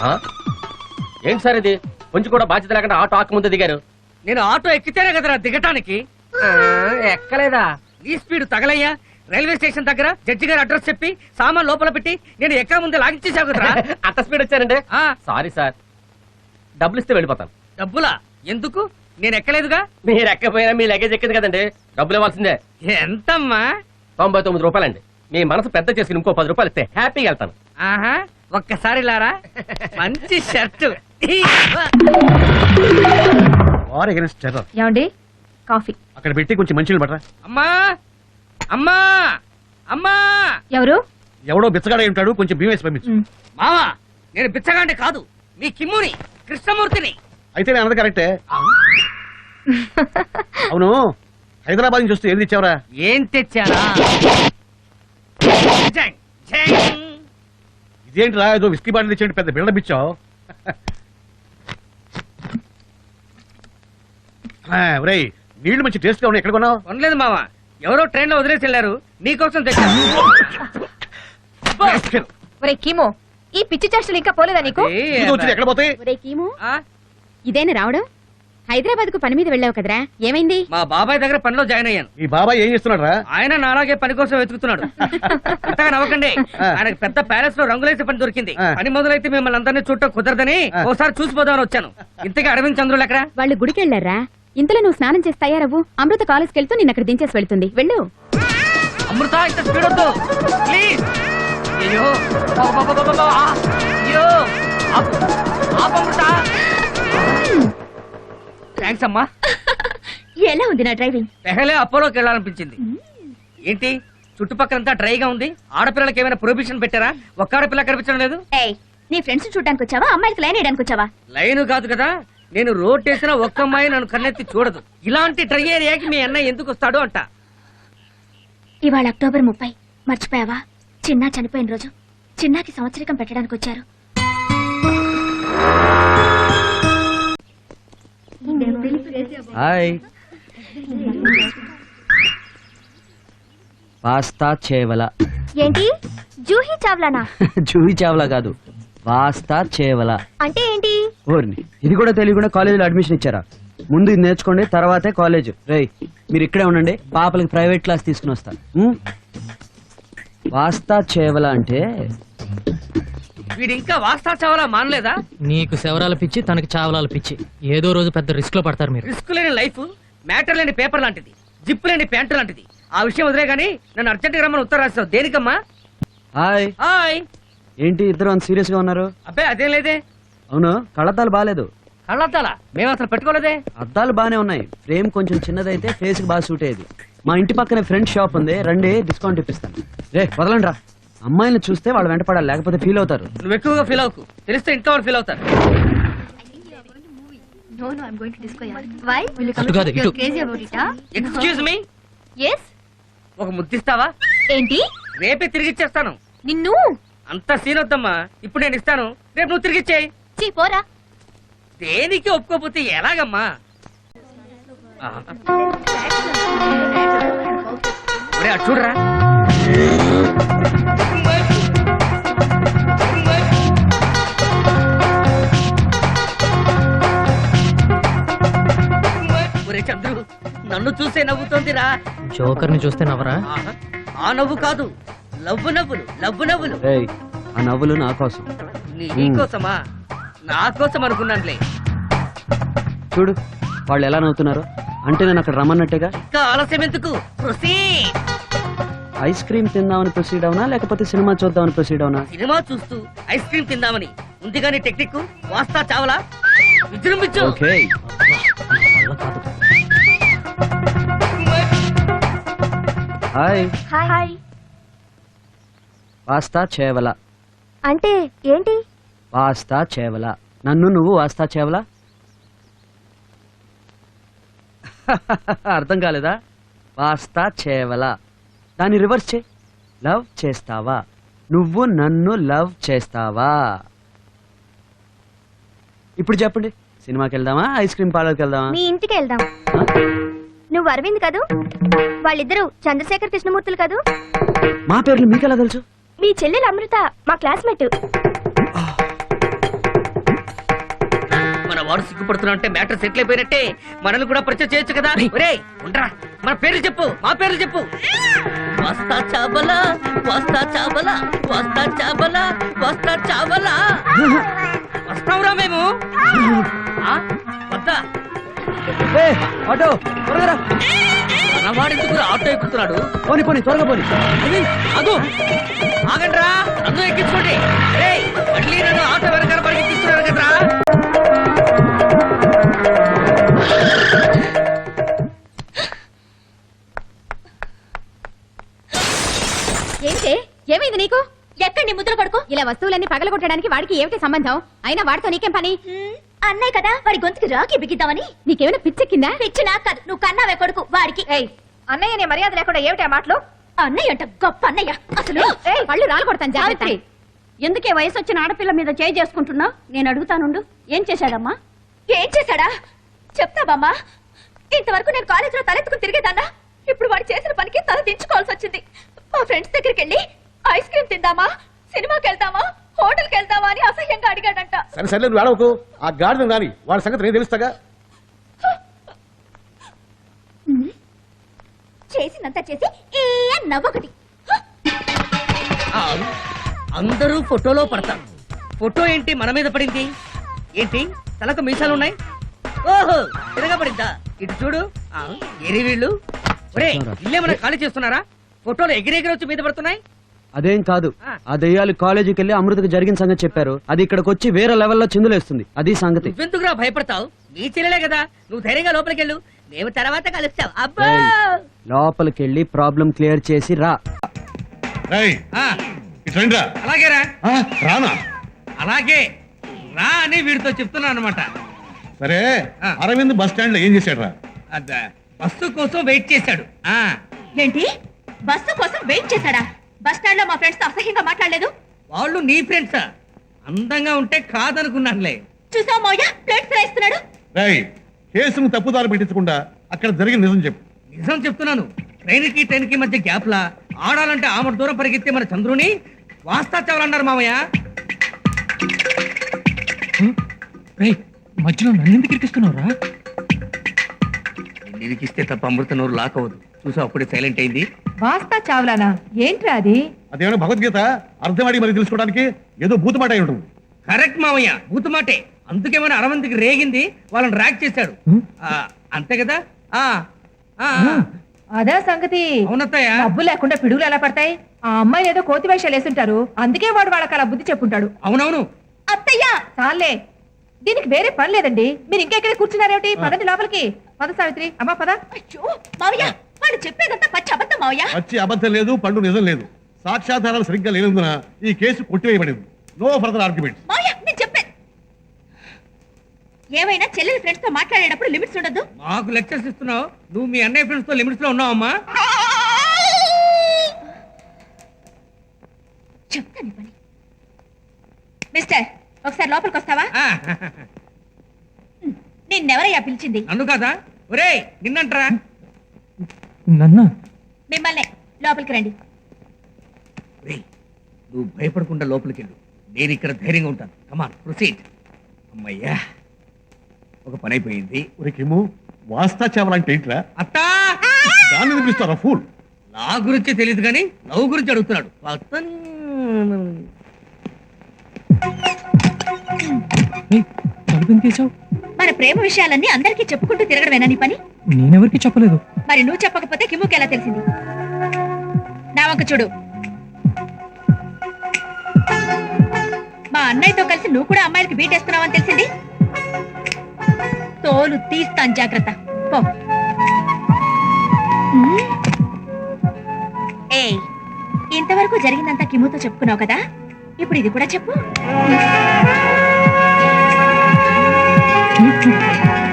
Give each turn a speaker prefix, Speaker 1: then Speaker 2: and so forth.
Speaker 1: ఏంటి సార్ ఇది? కొంచెం కూడా బాధ్యత లేకుండా ఆటో ఆకు ముందు దిగారు.
Speaker 2: నేను ఆటో ఎక్కితేనే కదరా దిగటానికి.
Speaker 1: ఎక్కలేదా?
Speaker 2: ఈ స్పీడ్ తగలయ్యా. రైల్వే స్టేషన్ దగ్గర జడ్జి గారి అడ్రస్ చెప్పి సామాన్ లోపల పెట్టి నేను ఎక్కడ ముందే లాగించేసావు కదరా.
Speaker 1: అంత స్పీడ్ వచ్చారండి? సారీ సార్, డబ్బులు ఇస్తే వెళ్ళిపోతాను.
Speaker 2: డబ్బులా? ఎందుకు? నేను ఎక్కలేదుగా.
Speaker 1: మీరు ఎక్కపోయినా మీ లగేజ్ ఎక్కింది కదండి, డబ్బులు ఇవ్వాల్సిందే.
Speaker 2: ఎంతమ్మా?
Speaker 1: 99 రూపాయలండి. మీ మనసు పెద్ద చేసి ఇంకో 10 రూపాయలు ఇస్తే హ్యాపీగా వెళ్తాను.
Speaker 2: ఆహా, ఒక్కసారి లారా. మంచి షర్టు.
Speaker 3: ఏమండి కాఫీ
Speaker 4: అక్కడ పెట్టి కొంచెం మంచిగా పడరా.
Speaker 2: అమ్మా అమ్మా అమ్మా.
Speaker 3: ఎవరు?
Speaker 4: ఎవడో బిచ్చగాడ ఉంటాడు, కొంచెం బియ్యం వేసి పంపించు.
Speaker 2: మావా, నేను బిచ్చగాండి కాదు, మీ కిమ్ముని, కృష్ణమూర్తిని.
Speaker 4: అయితే నేను అన్నది కరెక్టే. అవును, హైదరాబాద్ నుంచి వస్తే ఏం తెచ్చావరా?
Speaker 2: ఏం తెచ్చారా? జంగ్, జంగ్.
Speaker 4: ఇదేంటిరా, ఏదో విస్కీ బాటిల్ తెచ్చేయండి, పెద్ద బిల్డప్ ఇచ్చావు. ఒరేయ్, నీళ్లు మంచి టేస్ట్ గా ఉన్నాయి, ఎక్కడ కొన్నావు?
Speaker 2: కొనలేదు మావా, ఎవరో ట్రైన్ లో వదిలేసి వెళ్ళారు, నీకోసం తెచ్చాను.
Speaker 3: ఒరే కీమో, ఈ పిచ్చి చేష్టలు ఇంకా పోలేదా నీకు?
Speaker 4: ఎక్కడ పోతాయి?
Speaker 3: ఒరే కీమో, ఇదేనా రావడం? హైదరాబాద్ కు పని మీద వెళ్ళావు కదరా, ఏమైంది?
Speaker 2: మా బాబాయ్ దగ్గర పనిలో జాయిన్ అయ్యాను.
Speaker 4: ఈ బాబాయ్ ఏం చేస్తున్నాడు రా?
Speaker 2: ఆయన నాలాగే పని కోసం వెతుకుతున్నాడు. అంతగా నవ్వకండి, ఆయనకు పెద్ద ప్యాలెస్ లో రంగులేసే పని దొరికింది. పని మొదలైతే మిమ్మల్ని అందరినీ చూడటం కుదరదని ఒకసారి చూసిపోదామని వచ్చాను. ఇంతకీ అరవింద్ చంద్రులు ఎక్కడ?
Speaker 3: వాళ్ళు గుడికి వెళ్ళారా? ఇంతలో నువ్వు స్నానం చేసి తయారవ్వు, అమృత కాలేజ్కి వెళ్తూ నిన్న అక్కడ దించేసి వెళ్తుంది, వెళ్ళు.
Speaker 2: అమృత, ఇంత స్పీడ్ వద్దు ప్లీజ్. అయ్యో అయ్యో, అమృత. థ్యాంక్స్ అమ్మా.
Speaker 3: ఎలా ఉంది నా డ్రైవింగ్?
Speaker 2: పెహలే అపోలోకి వెళ్ళాలనిపించింది. ఏంటి చుట్టుపక్కలంతా డ్రైగా ఉంది? ఆడపిల్లలకి ఏమైనా ప్రొహిబిషన్ పెట్టారా? ఒక్క ఆడపిల్ల కనిపించడం లేదు.
Speaker 3: నీ ఫ్రెండ్స్ చూడడానికి వచ్చావా, అమ్మాయికి లైన్ వేయడానికి వచ్చావా?
Speaker 2: లైన్ కాదు కదా, నేను రోడ్ వేసిన ఒక్క అమ్మాయి నన్ను కన్నెత్తి చూడదు. ఇలాంటి డ్రై ఏరియాకి మీ అన్న ఎందుకు వస్తాడు అంట.
Speaker 3: ఇవాళ అక్టోబర్ 30, మర్చిపోయావా? చిన్నా చనిపోయిన రోజు. చిన్నాకి సంవత్సరికం పెట్టడానికి వచ్చారు.
Speaker 5: హాయ్. వాస్తా చేవల.
Speaker 3: ఏంటి జూహీ చావ్లానా?
Speaker 5: జూహీ చావలా కాదు, వాస్తా చేవల
Speaker 3: అంటే ఏంటి?
Speaker 5: ఓర్ని, ఇది కూడా తెలియకుండా కాలేజీలో అడ్మిషన్ ఇచ్చారా? ముందు ఇది నేర్చుకోండి, తర్వాతే కాలేజ్. రేయ్, మీరు ఇక్కడే ఉండండి, పాపలకి ప్రైవేట్ క్లాస్ తీసుకుని వస్తా. వాస్తా చేవల అంటే
Speaker 2: వీడు ఇంకా వాస్తా చావాలా మానలేదా?
Speaker 6: నీకు శవరాల పిచ్చి, తనకి చావలాల పిచ్చి. ఏదో రోజు పెద్ద రిస్క్ లో పడతారు మీరు.
Speaker 2: రిస్క్ లేని లైఫ్, మ్యాటర్ లేని పేపర్ లాంటిది, జిప్ లేని ప్యాంటు లాంటిది. ఆ విషయం వదిలే గానీ నన్ను అర్జెంట్ గా రమ్మని ఉత్తరం రాస్తావు దేనికమ్మా?
Speaker 5: హాయ్.
Speaker 2: హాయ్.
Speaker 5: ఏంటి ఇద్దరు అంత సీరియస్ గా ఉన్నారు?
Speaker 2: అబ్బాయి అదేం లేదే.
Speaker 5: అవును, కళ్ళద్దాలు బాగాలేదు.
Speaker 2: కళ్ళద్దాలా? మేము అసలు పెట్టుకోలేదే.
Speaker 5: అద్దాలు బానే ఉన్నాయి, ఫ్రేమ్ కొంచెం చిన్నదైతే ఫేస్ కి బాగా సూట్ అయ్యేది. మా ఇంటి పక్కనే ఫ్రెండ్ షాప్ ఉంది, రండి డిస్కౌంట్ ఇప్పిస్తాను. రే వదలండి రా, అమ్మాయిని చూస్తే వాళ్ళు వెంట పడాలి, లేకపోతే ఫీల్ అవుతారు.
Speaker 2: నువ్వు ఎక్కువగా ఫీల్ అవుకు, తెలిస్తే ఇంట్లో వాళ్ళు ఫీల్ అవుతారు. ఎక్స్క్యూజ్ మీ, ఒక ముద్దిస్తావా?
Speaker 3: ఏంటి?
Speaker 2: రేపే తిరిగిచ్చేస్తాను.
Speaker 3: నిన్ను
Speaker 2: అంత సీన్ వద్దమ్మా, ఇప్పుడు నేను ఇస్తాను, రేపు నువ్వు తిరిగిచ్చేయి.
Speaker 3: పోరా.
Speaker 2: దేనికి ఒప్పుకోపోతే ఎలాగమ్మా? అటు చూడరా. ఒరే చంద్రు, నన్ను చూసే నవ్వుతోందిరా.
Speaker 6: జోకర్ ని చూస్తే నవ్వరా?
Speaker 2: ఆ నవ్వు కాదు, లవ్వు నవ్వులు, లవ్వు నవ్వులు.
Speaker 5: రేయ్, ఆ నవ్వులు నా కోసం.
Speaker 2: నీ కోసమా? నా కోసం అనుకున్నానులే.
Speaker 5: చూడు వాళ్ళు ఎలా నవ్వుతున్నారు, అంటే నేను అక్కడ రమ్మన్నట్టుగా.
Speaker 2: ఇంకా ఆలస్యం ఎందుకు? ప్రొసీడ్.
Speaker 5: ఐస్ క్రీమ్ తిందామని ప్రొసీడ్ అవునా, లేకపోతే సినిమా చూద్దామని ప్రొసీడ్ అవునా?
Speaker 2: సినిమా చూస్తూ ఐస్ క్రీమ్ తిందామని ఉంది కానీ టెక్నిక్ వాస్తా చావలా విజృంభించు.
Speaker 5: ఓకే. హాయ్.
Speaker 3: హాయ్.
Speaker 5: వాస్తా చేవల
Speaker 3: అంటే ఏంటి?
Speaker 5: వాస్తా చేవల, నన్ను నువ్వు వాస్తా చేవల. అర్థం కాలేదా? వాస్తా చేవల, దాన్ని రివర్స్ చే. లవ్ చేస్తావా, నువ్వు నన్ను లవ్ చేస్తావా? ఇప్పుడు చెప్పండి, సినిమాకి వెళ్దామా, ఐస్ క్రీమ్ పార్లర్కి వెళ్దామా?
Speaker 3: మీ ఇంటికి వెళ్దాం. నువ్వు అరవింద్ కదూ? వాళ్ళిద్దరూ చంద్రశేఖర్ కృష్ణమూర్తులు కదూ?
Speaker 5: మా పేర్లు మీకెలా తెలుసు?
Speaker 3: మీ చెల్లెలు అమృత మా క్లాస్మేట్.
Speaker 2: వాడు సిగ్గుపడుతున్నా అంటే మ్యాటర్ సెటిల్ అయిపోయినట్టే. మనల్ని కూడా పరిచయం చేయొచ్చు కదా. ఒరేయ్ ఉండరా, మన పేర్లు చెప్పు, మా పేర్లు చెప్పు. వస్తా చాబలా, వస్తా చాబలా, వస్తా చాబలా, వస్తా చాబలా. వస్తావురా మేము? ఆ? వద్దా?
Speaker 5: ఆటో త్వరగా రా.
Speaker 2: మనవాడెందుకు ఆటో ఎక్కుతున్నాడు?
Speaker 5: పోనీ పోనీ త్వరగా పోనీ.
Speaker 2: అదు ఆగండ్రా, నన్ను ఎక్కించుకోండి. ఏయ్, మళ్ళీ నన్ను ఆటో వెనకాల పరిగెత్తిస్తున్నారు కదరా.
Speaker 3: ఏంటి ఏమైంది నీకు? ఎక్కడ నీ ముద్ర కొడుకు? ఇలా వస్తువులన్నీ పగలగొట్టడానికి వాడికి ఏమిటి సంబంధం? అయినా వాడితో నీకేం పని? అన్నయ్య కదా, వాడి గొంతుకి రాకి బిగిద్దామని. నీకేమైనా పిచ్చెక్కిందా? పిచ్చి నాకు కాదు, నువ్వు కన్నావే కొడుకు వాడికి. అన్నయ్య నీ మర్యాద లేకుండా ఏమిటి మాటలు? అన్నయ్య అంట గొప్ప అన్నయ్య. అసలు పళ్ళు రాలు కొడతాను జాగ్రత్త. ఎందుకే వయసు వచ్చిన ఆడపిల్ల మీద చేయి చేసుకుంటున్నా? నేను అడుగుతానుండు. ఏం చేశాడమ్మా? ఏం చేశాడా చెప్తావమ్మా? ఇంతవరకు నేను కాలేజీలో తలెత్తుకుని తిరిగేదాన్నా. ఇప్పుడు వాడు చేసిన పనికి తల దించుకోవాల్సి వచ్చింది. మా ఫ్రెండ్స్ దగ్గరికి వెళ్ళి ఐస్ క్రీమ్ తిందామా, సినిమాకి వెళ్దామా, హోటల్కి వెళ్దామా అని అసహ్యంగా అడిగాడంట.
Speaker 4: సరే సరే నువ్వు ఆడవకు. ఆ గాడిద రాని వాడి సంగతి నేను తెలుస్తాగా.
Speaker 3: చేసినంత చేసి ఏ నవ్వొకటి.
Speaker 2: అందరూ ఫోటోలో పడతారు. ఫోటో ఏంటి మన మీద పడింది? ఏంటి తలకు మీసాలున్నాయి? ఓహో తిరగబడిందా? ఇటు చూడు. ఎరి వీళ్ళు ఒరే ఇల్లేమన్నా ఖాళీ చేస్తున్నారా? ఫోటోలు ఎగిరెగిరి వచ్చి మీద పడుతున్నాయి.
Speaker 5: అదేం కాదు, ఆ దెయ్యాలు కాలేజీకి వెళ్ళి అమృతకు జరిగిన సంగతి చెప్పారు. అది ఇక్కడికి వచ్చి వేరే లెవెల్లో చిందులేస్తుంది. అది సంగతి.
Speaker 2: నువ్వెందుకురా భయపడతావు? నీ చెల్లెలే కదా, నువ్వు ధైర్యంగా లోపలికి వెళ్ళు. మేము తర్వాత కలుస్తాం. అబ్బా
Speaker 5: లోపలికి వెళ్ళి ప్రాబ్లం క్లియర్ చేసి రా.
Speaker 2: అలాగేరా.
Speaker 4: రానా?
Speaker 2: అలాగే రా అని వీడితో చెప్తున్నా అనమాట.
Speaker 4: సరే అరవింద్ బస్ స్టాండ్ లో ఏం చేశాడు రా?
Speaker 2: బస్సు కోసం వెయిట్ చేశాడు.
Speaker 3: ఏంటి బస్సు కోసం వెయిట్ చేశాడా? బస్ స్టాండ్ లో మా ఫ్రెండ్స్ తో అసహ్యంగా మాట్లాడలేదు?
Speaker 2: వాళ్ళు నీ ఫ్రెండ్సా? అందంగా ఉంటే కాదనుకున్నానులే.
Speaker 3: చూసావు మౌయ ప్లేట్స్ రాయిస్తున్నాడు.
Speaker 4: కేసును తప్పుదారు పెట్టించకుండా అక్కడ జరిగిన నిజం చెప్పు.
Speaker 2: నిజం చెప్తున్నాను. ట్రైన్ కి మధ్య గ్యాప్ లా ఆడాలంటే ఆమె దూరం పరిగెత్తే మన చంద్రుని వాస్తా చావాలన్నారు మామయ్య.
Speaker 6: మధ్యలో నన్ను కిరికిస్తున్నావురా?
Speaker 2: నిరికిస్తే తప్ప అమృత నోరు లాక్ అవ్వదు. చూసా అప్పుడే సైలెంట్ అయింది.
Speaker 7: వాస్తా చావ్లానా? ఏంట్రా అది?
Speaker 4: అదేమైనా భగవద్గీత అర్థమాడి మరి తెలుసుకోవడానికి ఏదో భూతమాట అయి ఉంటుంది.
Speaker 2: కరెక్ట్ మామయ్య, భూతమాటే. అందుకేమైనా అరవంతికి రేగింది, వాళ్ళని ర్యాక్ చేశాడు. అంతే కదా?
Speaker 7: అదా సంగతి.
Speaker 2: అవునత్తయ్య.
Speaker 7: డబ్బు లేకుండా పిడుగులు ఎలా పడతాయి? ఆ అమ్మాయిలు ఏదో కోతి వేషాలు వేసుంటారు, అందుకే వాడు వాళ్ళకి అలా బుద్ధి చెప్పుంటాడు.
Speaker 2: అవునవును.
Speaker 7: అత్తయ్య చాలే, దీనికి వేరే పని లేదండి. మీరు ఇంకెక్కడే కూర్చున్నారేమిటి? పదండి లోపలికి. పద సావిత్రి. అమ్మా పద.
Speaker 3: అయ్యో మావయ్య, వాడు చెప్పేదంతా పచ్చి అబద్ధం మావయ్య.
Speaker 4: వచ్చి అబద్ధం లేదు, పండు నిజం లేదు. సాక్ష్యాధారాలు సరిగ్గా లేనందున ఈ కేసు కొట్టివేయబడింది. No further argument.
Speaker 3: మావయ్య నేను చెప్పాను, ఏమైనా చెల్లెలి ఫ్రెండ్స్ తో మాట్లాడేటప్పుడు లిమిట్స్ ఉండదు.
Speaker 2: మాకు లెక్చర్స్ ఇస్తున్నావు. నువ్వు మీ అన్నయ్య ఫ్రెండ్స్ తో లిమిట్స్ లో ఉన్నావమ్మా.
Speaker 3: చెప్తాను పని. మిస్టర్ ఒకసారి లోపలికి వస్తావా? నిన్నెవరయ్యా పిలిచింది?
Speaker 2: నన్ను కాదా? ఒరేయ్ నిన్నంటరా.
Speaker 6: నన్ను
Speaker 3: మిమ్మల్నే. లోపలికి రండి.
Speaker 2: నువ్వు భయపడకుండా లోపలికి వెళ్ళు. నేను ఇక్కడ ధైర్యంగా ఉంటాను. Come on proceed. అమ్మయ్యా ఒక పని అయిపోయింది.
Speaker 4: ఊరికేమో వాస్తా చావాలంటే ఏంట్రా?
Speaker 2: అత్తా
Speaker 4: దాన్ని పిలుస్తారా ఫూల్?
Speaker 2: నా గురించి తెలియదు కానీ లవ్ గురించి అడుగుతున్నాడు.
Speaker 6: తలుపు తీసావు?
Speaker 3: మన ప్రేమ విషయాలన్నీ అందరికీ చెప్పుకుంటూ తిరగడమేనా నీ పని?
Speaker 6: నేనెవరికి చెప్పలేదు.
Speaker 3: మరి నువ్వు చెప్పకపోతే కిమ్ముకి ఎలా తెలిసింది? నా వంక చూడు. మా అన్నయ్యతో కలిసి నువ్వు కూడా అమ్మాయిలకి బీటేస్తున్నావని తెలిసింది. తోలు తీస్తాను, జాగ్రత్త. పో. ఏయ్, ఇంతవరకు జరిగిందంతా కిమ్ముతో చెప్పుకున్నావు కదా, ఇప్పుడు ఇది కూడా చెప్పు.